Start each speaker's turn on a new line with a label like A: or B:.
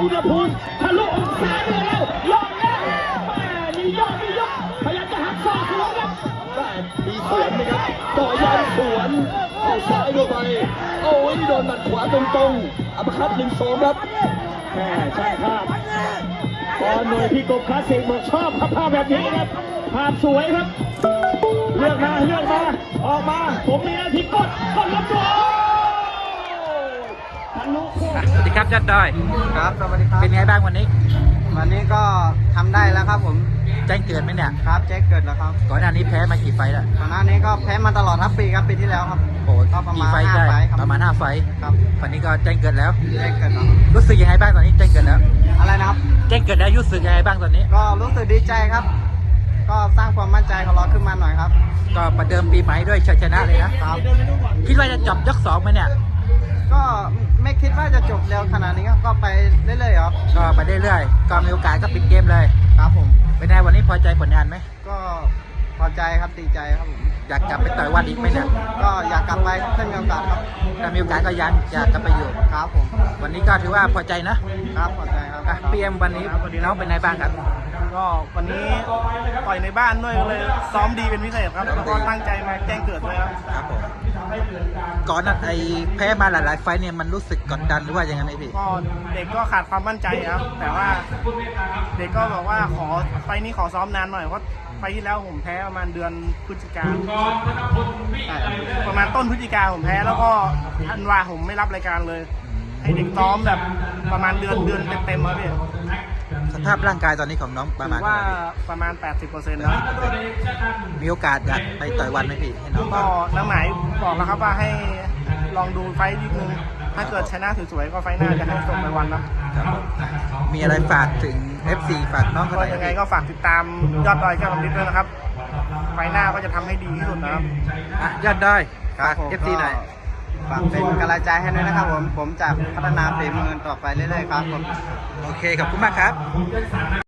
A: อุณหภูมิทะลุองศาเหนือแล้วยอดแล้วนี่ยอดพยายามจะหักศอกสวนครับมีสวนนะครับต่อยาวสวนเข้าซ้ายเข้าไปโอ้ยนี่โดนหมัดขวาตรงๆอัปคัต1-2ครับใช่ครับตอนหน่วยพี่กบคลาสสิกบอกชอบภาพแบบนี้ครับภาพสวยครับเลือกมาออกมาผมมีหน้าที่กดรับตัว
B: สวัสดีครับยอดดอย
C: ครับสวัสดีครับ
B: เป็นไงบ้างวันนี้
C: ก็ทำได้แล้วครับผม
B: แจ้งเกิดไหมเนี่ย
C: ครับแจ้งเกิดแล้วครับ
B: ก่อนหน้านี้แพ้มากี่ไฟล์แล้ว
C: ก่อนหน้านี้ก็แพ้มาตลอดทั้งปีครับปีที่แล้วครับ
B: โอ้
C: ก็ประมาณ5 ไฟล์
B: ประมาณ5 ไฟล์
C: ครับ
B: วันนี้ก็แจ้งเกิดแล้ว
C: แจ้งเกิดแล้ว
B: รู้สึกยังไงบ้างตอนนี้แจ้งเกิดแล้ว
C: อะไรนะครับ
B: แจ้งเกิดแล้วรู้สึกยังไงบ้างตอนนี้
C: ก็รู้สึกดีใจครับก็สร้างความมั่นใจของเราขึ้นมาหน่อยครับ
B: ก็ประเดิมปีใหม่ด้วยชัยชนะเลยนะครับคิดว่าจะจบยก2ไหมเนี่ย
C: ก็ไม่คิดว่าจะจบเร็วขนาดนี้ก็ไปเรื่อยๆครับ
B: ก็ไปเรื่อยๆก็มีโอกาสก็ปิดเกมเลย
C: ครับผม
B: เป็นไงวันนี้พอใจผลงานไหม
C: ก็พอใจครับดีใจครับผม
B: อยากกลับไปต่อยวันอีกไหมเนี่ย
C: ก็อยากกลับไปถ้ามีโอกาสครับ
B: ถ้ามีโอกาสก็อยากกลับไปอยู่
C: ครับผม
B: วันนี้ก็ถือว่าพอใจนะครับ
C: พอใจครับ
B: พีเอ็มวันนี้น้องเป็นไงบ้างครับ
D: ก็วันนี้ต่อยในบ้านด้วยเลยซ้อมดีเป็นพิเศษครับแล้วก็ตั้งใจมาแจ้งเกิดด้วยครับ
B: ครับผมก่อนนั้นไอ้แพ้มาหลายๆไฟเนี่ยมันรู้สึกกดดันหรือว่ายังไงพี่
D: ก็เด็กก็ขาดความมั่นใจครับแต่ว่าเด็กก็บอกว่าไฟนี้ขอซ้อมนานหน่อยเพราะไฟที่แล้วผมแพ้ประมาณเดือนพฤศจิกาประมาณต้นพฤศจิกาผมแพ้แล้วก็ธันวาผมไม่รับรายการเลยให้เด็กซ้อมแบบประมาณเดือนเต็มๆครับพี่
B: สภาพร่างกายตอนนี้ของน้องประมาณ
D: ว่าประมาณ 80% แล้ว
B: มีโอกาสอยากไปต่อยวันไหมพี่ให้น้อง
D: ก็น้ำหมายบอกแล้วครับว่าให้ลองดูไฟต์นิดนึงถ้าเกิดชนะสวยๆก็ไฟต์หน้าจะให้ส่งไปวันนะครับ
B: มีอะไรฝากถึง FC ฝากน้องเขาหน่อย
D: ยังไงก็ฝากติดตามยอดดอยแก้วลำลิดด้วยนะครับไฟต์หน้าก็จะทำให้ดีที่สุดนะครับ
B: ยอดดอยฝาก FC หน่อย
C: ฝากเป็นกำลังใจให้ด้วยนะครับผมจะพัฒนาฝีมือต่อไปเรื่อยๆครับผม
B: โอเคขอบคุณมากครับ